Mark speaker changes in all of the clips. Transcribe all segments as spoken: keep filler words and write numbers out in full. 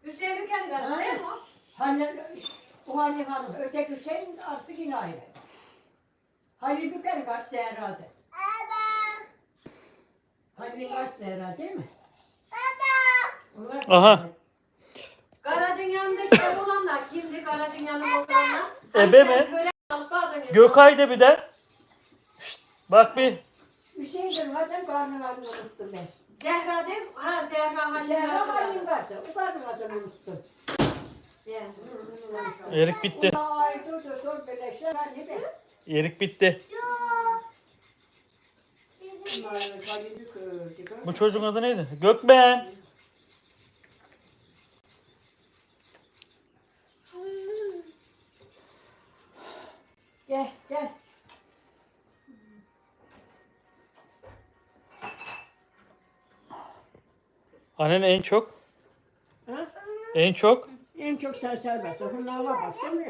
Speaker 1: Hüseyin Ülker'in karısı değil mi o?
Speaker 2: Hani o Halil Hanım, öteki Hüseyin artık yine ayrı. Halil Büker'in karısı Zehra'dı. Halil'in karısı Zehra değil mi? Baba!
Speaker 3: Aha.
Speaker 1: Garajın yanındaki olanlar kimdi? Garajın yanında olanlar.
Speaker 3: Ebe mi? Gökay da bir de. Şşt, bak bir.
Speaker 2: Hüseyin'dir madem karnın adını unuttum ben.
Speaker 1: Zehra değil mi? Ha Zehra Halil'in
Speaker 2: Zehra
Speaker 1: karısı.
Speaker 2: Halil'in karısı, o karnın adını unuttum.
Speaker 3: Erik bitti.
Speaker 2: Ay dur dur dur birleşler ben ne be?
Speaker 3: Erik bitti. Bu çocuğun adı neydi? Gökben.
Speaker 2: Gel gel.
Speaker 3: Annen en çok.
Speaker 2: Ha?
Speaker 3: En çok.
Speaker 2: En çok sen serbest. Bunlara baksana.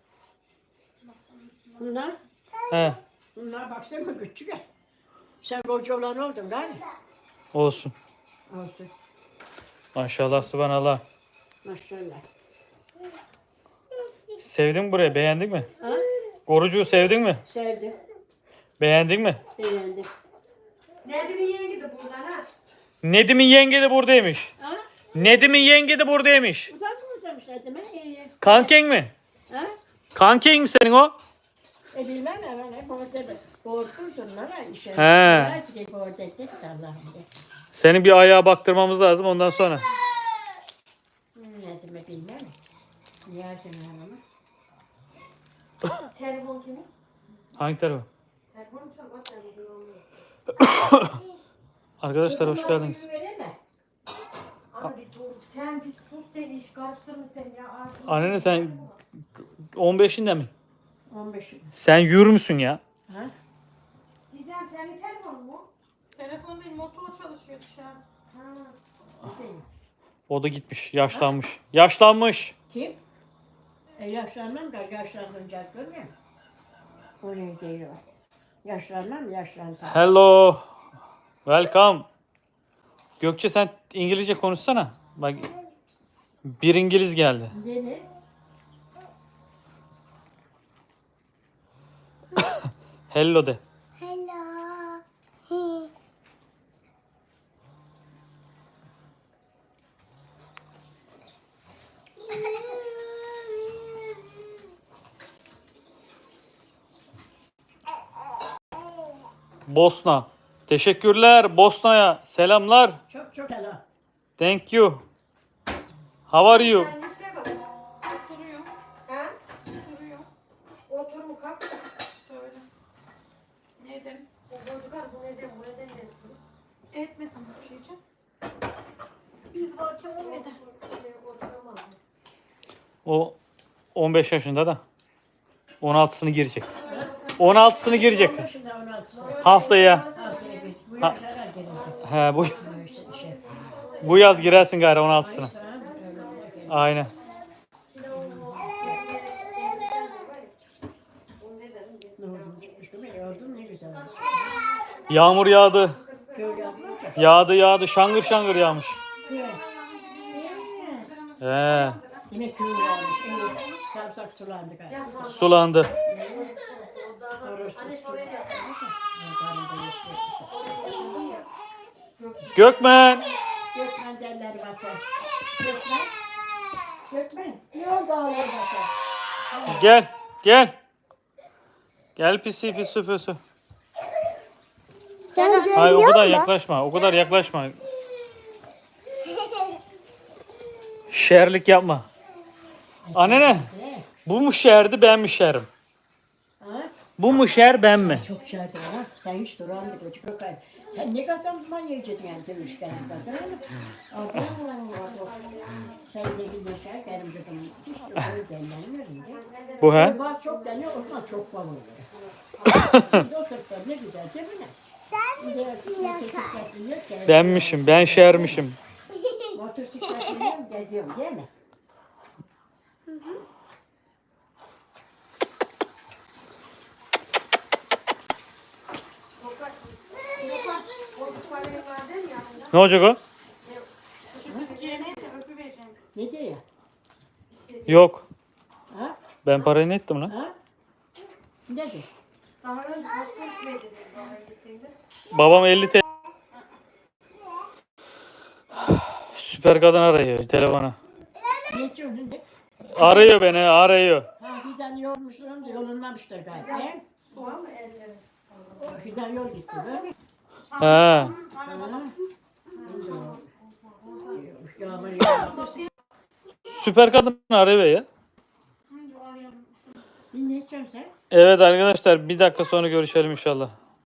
Speaker 2: Bunlar,
Speaker 3: He.
Speaker 2: bunlara baksana küçük. Sen koca olan oldun galiba.
Speaker 3: Olsun.
Speaker 2: Olsun.
Speaker 3: Maşallah subhanallah.
Speaker 2: Maşallah.
Speaker 3: Sevdin mi burayı? Beğendin mi?
Speaker 2: Ha?
Speaker 3: Korucuğu sevdin mi?
Speaker 2: Sevdim.
Speaker 3: Beğendin mi?
Speaker 2: Beğendim.
Speaker 1: Nedim'in yeğeni de buradan ha.
Speaker 3: Nedim'in yenge de buradaymış.
Speaker 2: Ha?
Speaker 3: Nedim'in yenge de buradaymış.
Speaker 2: Uzak mı uzamışlar değil mi? İyi.
Speaker 3: Kanken mi?
Speaker 2: Ha?
Speaker 3: Kanken mi senin o?
Speaker 2: E bilmem hemen hep orada korkurdun lan işe.
Speaker 3: He.
Speaker 2: Her şey orada ettik Allah'ım de.
Speaker 3: Senin bir ayağa baktırmamız lazım ondan sonra.
Speaker 2: Ne demek bilmem. Niye senin hanımı?
Speaker 1: Telefon kimin?
Speaker 3: Hangi tarafa?
Speaker 1: Telefon çok o telefon.
Speaker 3: Arkadaşlar hoş geldiniz.
Speaker 1: Abi bir dur. Sen bir sus sen iş karıştırma sen ya. Artık-
Speaker 3: Annene sen on beşinde mi?
Speaker 2: on beş.
Speaker 3: Sen yürür müsün ya?
Speaker 2: Ha?
Speaker 1: Gizem senin telefonun mu?
Speaker 4: Telefon değil, motor çalışıyor dışarı.
Speaker 1: Ha.
Speaker 2: Gideyim.
Speaker 3: O da gitmiş. Yaşlanmış. Yaşlanmış.
Speaker 2: Kim? E yaşlanmam da yaşlanınca görmüyor musun? O ne değil o. Yaşlanmam yaşlandım.
Speaker 3: Hello. Welcome. Gökçe sen İngilizce konuşsana. Bak bir İngiliz geldi.
Speaker 2: Deniz.
Speaker 3: Hello de. Bosna. Teşekkürler Bosna'ya. Selamlar.
Speaker 2: Çok çok selam.
Speaker 3: Thank you. How are you?
Speaker 1: Sen işte bak.
Speaker 4: Oturuyor,
Speaker 1: Ha?
Speaker 4: oturuyor.
Speaker 1: Otur mu kalk.
Speaker 4: Söyle. Neden?
Speaker 1: O bozukar bu neden bu neden ne?
Speaker 4: Etmesin bu şey için. Biz varken o neden?
Speaker 1: Oturamaz.
Speaker 3: O on beş yaşında da on altısını girecek. on altısını girecek.
Speaker 2: on yaşında on altısı.
Speaker 3: Haftaya.
Speaker 2: Haftaya bir. Bu
Speaker 3: Ha.
Speaker 2: yaşlara gelecek.
Speaker 3: He bu
Speaker 2: Bu işte şey.
Speaker 3: bu yaz girersin gari on altısına.
Speaker 2: Sonra öyle gelecek.
Speaker 3: Aynen.
Speaker 2: Ne oldu? Çıkmıştı mı? Yordum ne güzel.
Speaker 3: Yağmur yağdı.
Speaker 2: Köy yapma da.
Speaker 3: Yağdı yağdı. Şangır şangır yağmış.
Speaker 2: Köy.
Speaker 3: He.
Speaker 2: Yine köy yağmış. Evet. Sarımsak sulandı galiba.
Speaker 3: Sulandı.
Speaker 1: Anne şuraya yap.
Speaker 3: Gökmen.
Speaker 2: Gökmen derler bakar. Gökmen. Gökmen. Ne oldu ağlar bakar?
Speaker 3: Gel. Gel. Gel pisi pisi pisi. Hayır o kadar yaklaşma. O kadar yaklaşma. Şerlik yapma. Annene.
Speaker 2: Ne?
Speaker 3: Bu mu şerdi ben mi şerim?
Speaker 2: Ha?
Speaker 3: Bu mu şer ben mi?
Speaker 2: Çok şarkı ha. Sen hiç duramdık o çocuk ay. Sen ne kadar zaman yiyeceksin yani dövüşken kadar ama. Abo, abo. Sen ne bileyim şey benim dedim. Hiç de öyle denlenmiyorum ya.
Speaker 3: Bu he?
Speaker 2: Bak çok deniyor o zaman çok bal oluyor. Doktorlar ne güzel değil mi?
Speaker 5: Sen misin yakar?
Speaker 3: Benmişim. Ben şermişim.
Speaker 2: Motosiklet biniyorum geziyorum değil mi?
Speaker 3: Ne olacak o?
Speaker 4: Ciğerine öpü vereceğim.
Speaker 2: Ne diyor ya?
Speaker 3: Yok.
Speaker 2: Ha?
Speaker 3: Ben parayı ne ettim lan?
Speaker 2: Ha? Ne diyor?
Speaker 1: Daha önce kaç kuruş verdiniz bana gittiğinde?
Speaker 3: Babam elli T L. Süper kadın arıyor telefonu.
Speaker 2: Ne diyorsun? Ne?
Speaker 3: Arıyor beni arıyor.
Speaker 2: Ha fidan yormuşlar da yolunmamışlar galiba. He?
Speaker 1: Var mı elleri?
Speaker 2: O fidan yol gitti değil mi?
Speaker 3: He.
Speaker 2: Ha. Yağmur yağdı.
Speaker 3: Süper kadın arıyor ya.
Speaker 2: Ne istiyorsun sen?
Speaker 3: Evet arkadaşlar bir dakika sonra görüşelim inşallah.